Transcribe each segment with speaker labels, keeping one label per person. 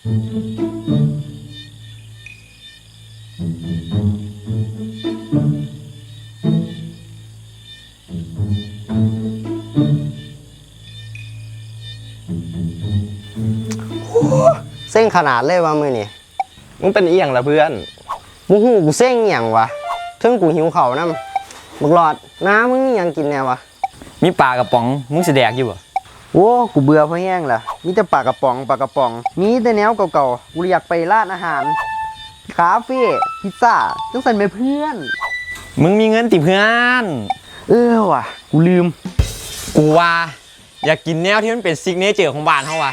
Speaker 1: เส้นขนาดเลยว่ามือนี่
Speaker 2: มึงเป็นอีหยังล่ะเพื่อน
Speaker 1: มึงหูกูเส้นอหย่างวะถึงกูหิวเข่าน้ำมึงหลอดน้ำมึงนี่ยังกินแน่วะ
Speaker 3: มีปลากระป๋องมึงสิแดกอยู่บ่
Speaker 1: โอ้กูเบื่อเพราะแห้งล่ะมีแต่ปลากระป๋องมีแต่แนวเก่าๆกูอยากไปร้านอาหารคาเฟ่พิซซ่าจังสันไปเพื่อน
Speaker 3: มึงมีเงินติเพื่อน
Speaker 1: ว่ะกูลืม
Speaker 3: กูว่าอยากกินแนวที่มันเป็นซิกเนเจอร์ของบ้านเขาว่ะ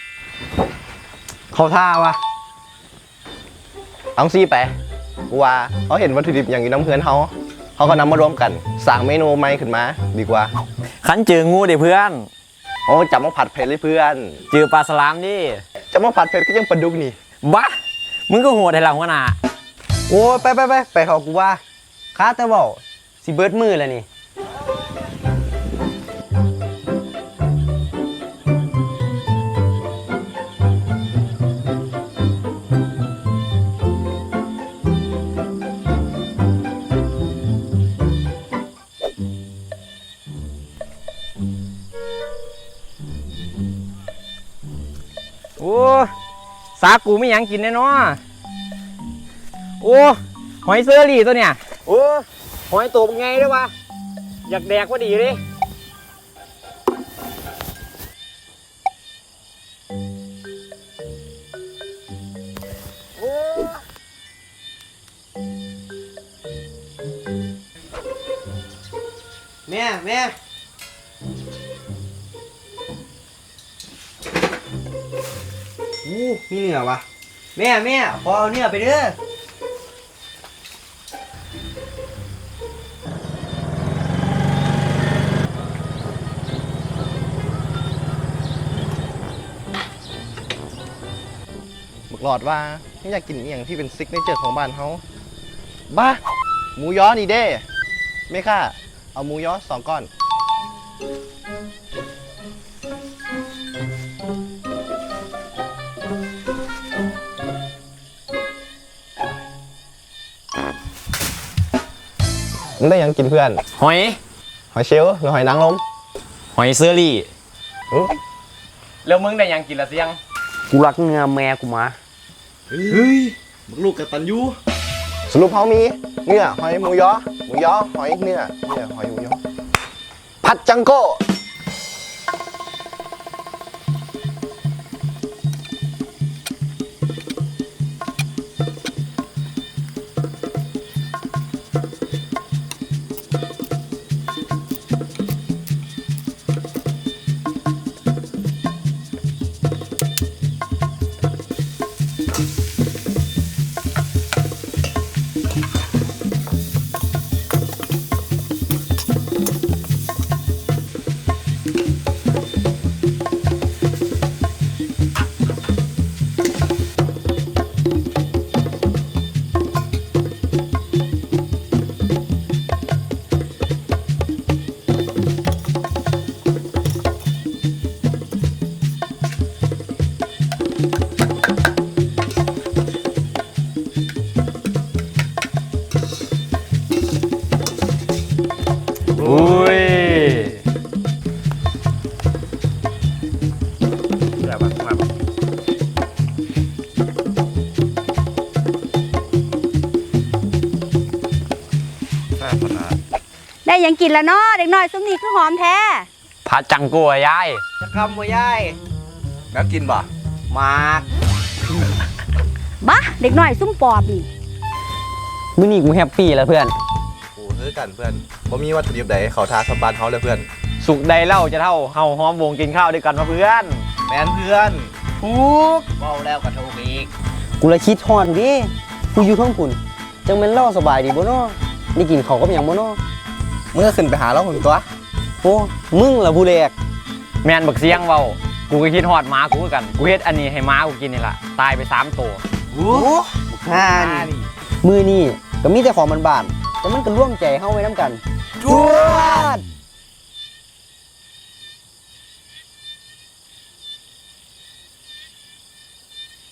Speaker 1: เขาท่าวะ
Speaker 2: เอาซี่ไปกูว่าเขาเห็นวัตถุดิบอย่างอยู่น้ำเพื่อนเขาก็นำมารวมกันสั่งเมนูใหม่ขึ้นมาดีกว่า
Speaker 3: ขันเจองูเด้เพื่อน
Speaker 2: โอ้จับมาผัดเผ็ดเลยเพื่อน
Speaker 3: เจอปลาสลามดิ
Speaker 2: จับมาผัดเผ็ดก็ยังปลาดุกนี่
Speaker 3: บ้ามึงก็โหดให้เราหัวหน้า
Speaker 1: โอ้ไปเขากูว่าค้าแต่บอกสิเบิร์ดมือแล้วนี่
Speaker 3: โอ้สากูไม่ยังกินแน่นอนโอ้หอยเซอรี่ตัวเนี่ยโอ้หอยตัวเป็นไงด้วยวะอยากแดกว่าดีเลย
Speaker 1: แม่มีเนื้อวะแม่พอเอาเนื้อไปเด้อ
Speaker 2: บอกหลอดว่าไม่อยากกินอย่างที่เป็นซิกเนเจอร์ของบ้านเขาบ้าหมูย้อนี่เด้ไม่ค่ะเอาหมูย้อ2 ก้อนมึงได้ยังกินเพื่อน
Speaker 3: หอย
Speaker 2: เชลล์หรือหอยนางรม
Speaker 3: หอยเซอรี่แล้วมึงได้ยังกินละเสียง
Speaker 1: กูรักเนื้อแม่กูมา
Speaker 2: เฮ้ยมึงลูกกตัญญูสรุปเขามีเนื้อหอยหมูย้อหอยเนื้อหอยหมูย้อผัดจังโก้
Speaker 4: ได้ยังกินแล้วเนาะเด็กน้อยซุ้มนี้คือหอมแท้
Speaker 3: ผัดจังกัวยาย
Speaker 1: จะคำว่ายาย
Speaker 2: แล้วกินบ่
Speaker 1: มาก
Speaker 4: บ้าเด็กน้อยซุ้มปอบนี่
Speaker 3: มื้อนี้กูแฮปปี้แล้วเพื่อน
Speaker 2: โอ้ซื้อกันเพื่อนบ่มีวัตถุดิบใดเขาท้าสบานเขาเลยเพื่อน
Speaker 3: สุกใดเล่าจะเท่าเฮาหอมวงกินข้าวด้วยกันมาเพื่อน
Speaker 2: แมนเพื่อน
Speaker 1: ทุก
Speaker 2: เมาแล้วกระทงอีก
Speaker 1: กูเลยคิดฮอดดิกูอยู่ท้องคุณจังเป็นเล่าสบายดีบ่เนาะได้กินเขาก็อย่างบ่เนาะ
Speaker 2: มึงก็ขึ้นไปหาเราหุ่นตัว
Speaker 1: โอ้มึงล่ะผู้แรก
Speaker 3: แมนบักเสียงเว้ากูก็คิดฮอดหมากูกันกูเฮ็ดอันนี้ให้หมากูกินนี่ล่ะตายไป3 ตัว
Speaker 1: โอ้ห่านี่มือนี่ก็มีแต่ของมันบานแต่มันก็ร่วมใจเฮาไว้น้ำกันจวด